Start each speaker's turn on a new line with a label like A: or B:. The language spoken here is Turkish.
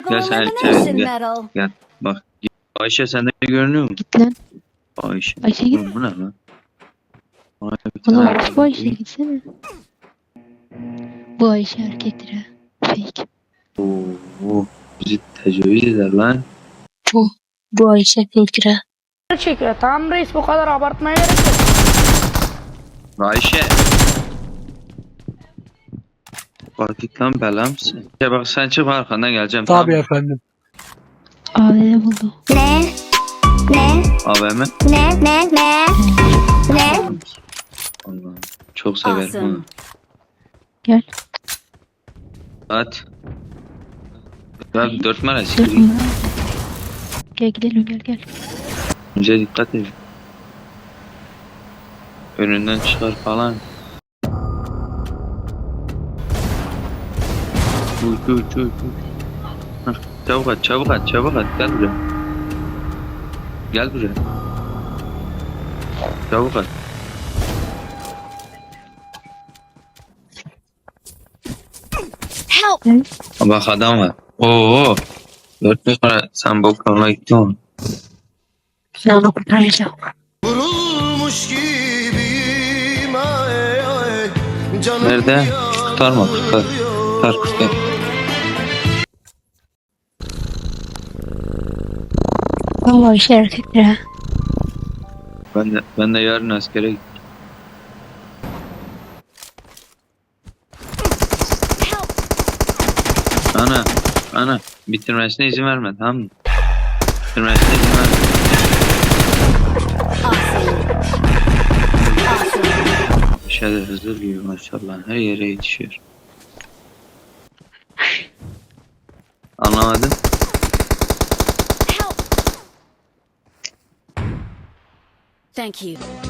A: Gel sen
B: elimination
A: gel.
B: medal.
A: Gel bak. Ayşe sende görünüyor mu?
C: Git lan.
A: Ayşe.
C: Ayşe git.
A: Oğlum bu ne lan? Bana bir
C: Oğlum
A: tane
C: bu Ayşe gitsene. Bu Ayşe erkektir ha. Fake.
A: Oo, bizi tecavüz eder lan.
C: Bu Ayşe fake'tir ha.
D: Çekiyor. Tamam reis, bu kadar abartmaya gerek yok.
A: Ayşe. Bak git lan bela mısın? Ya bak sen çık arkandan geleceğim.
E: Tabii
A: tamam.
E: efendim.
C: AVM buldu.
A: AVM.
B: Ne?
A: Allah'ım. Çok severim
B: Awesome.
A: onu.
C: Gel.
A: At. Ya 4 numara
C: Dur,
A: sikeyim.
C: numara. Gel gidelim gel.
A: Önce dikkat edin. Önünden çıkar falan. Uç. Hah, çabuk at. Gel buraya. Çabuk at.
B: Help!
C: Gel.
A: Bak adam var. Oo. 4 numara sen boklarına gittin mi?
C: Ben onu kurtaracağım.
F: Vurulmuş gibiyim ay ay. Canım
A: Nerede? Kurtarma. Kurtar.
C: Bu Ayşe erkektir ha.
A: Ben de yarın askere gideceğim. Ana. Bitirmesine izin verme, tamam mı? Bitirmesine izin verme. Şeyler hızlı gibi maşallah. Her yere yetişiyor. Anlamadım.
B: Thank you.